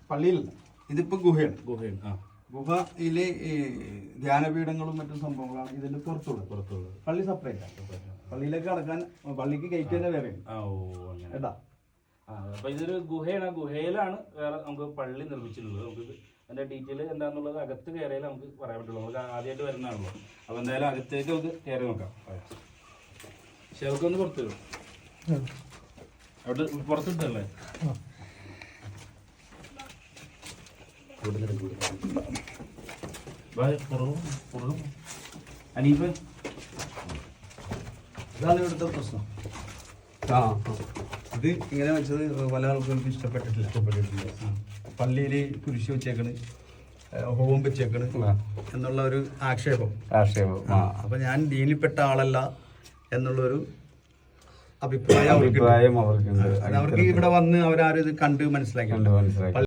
പള്ളിയിലല്ല, ഇതിപ്പോ ഗുഹയാണ്. ഗുഹയാണ്. ഗുഹയിലെ ധ്യാനപീഠങ്ങളും മറ്റും സംഭവങ്ങളാണ് ഇതിന്റെ പുറത്തുള്ളത്. പള്ളി സെപ്പറേറ്റ് ആണ്. പള്ളിയിലേക്ക് കടക്കാൻ പള്ളിക്ക് ഗേറ്റ് തന്നെ വേറെ കേട്ടാ. അപ്പൊ ഇതൊരു ഗുഹയാണ്. ഗുഹയിലാണ് വേറെ നമുക്ക് പള്ളി നിർമ്മിച്ചിട്ടുള്ളത്. നമുക്ക് അതിന്റെ ഡീറ്റെയിൽ എന്താണെന്നുള്ളത് അകത്ത് കയറിയാൽ നമുക്ക് പറയാൻ പറ്റുള്ളൂ. നമുക്ക് ആദ്യമായിട്ട് വരുന്നതാണല്ലോ. അപ്പൊ എന്തായാലും അകത്തേക്ക് നമുക്ക് കയറി നോക്കാം. ഷെൽക്കൊന്ന് പുറത്ത് വരും. അവിടെ പുറത്തിട്ടല്ലേ? അനീഫ്, ഇതാണ് ഇവിടുത്തെ പ്രശ്നം. ഇത് ഇങ്ങനെ വെച്ചത് പല ആൾക്കാർക്കും ഇഷ്ടപ്പെട്ടിട്ടില്ല. പള്ളിയിൽ കുരിശ് വെച്ചേക്കണ്, ഹോം വെച്ചേക്കണ് എന്നുള്ള ഒരു ആക്ഷേപം. അപ്പൊ ഞാൻ ദീനിൽപ്പെട്ട ആളല്ല എന്നുള്ളൊരു അഭിപ്രായം അവർക്ക് ഇവിടെ വന്ന് അവരാരും ഇത് കണ്ട് മനസ്സിലാക്കി.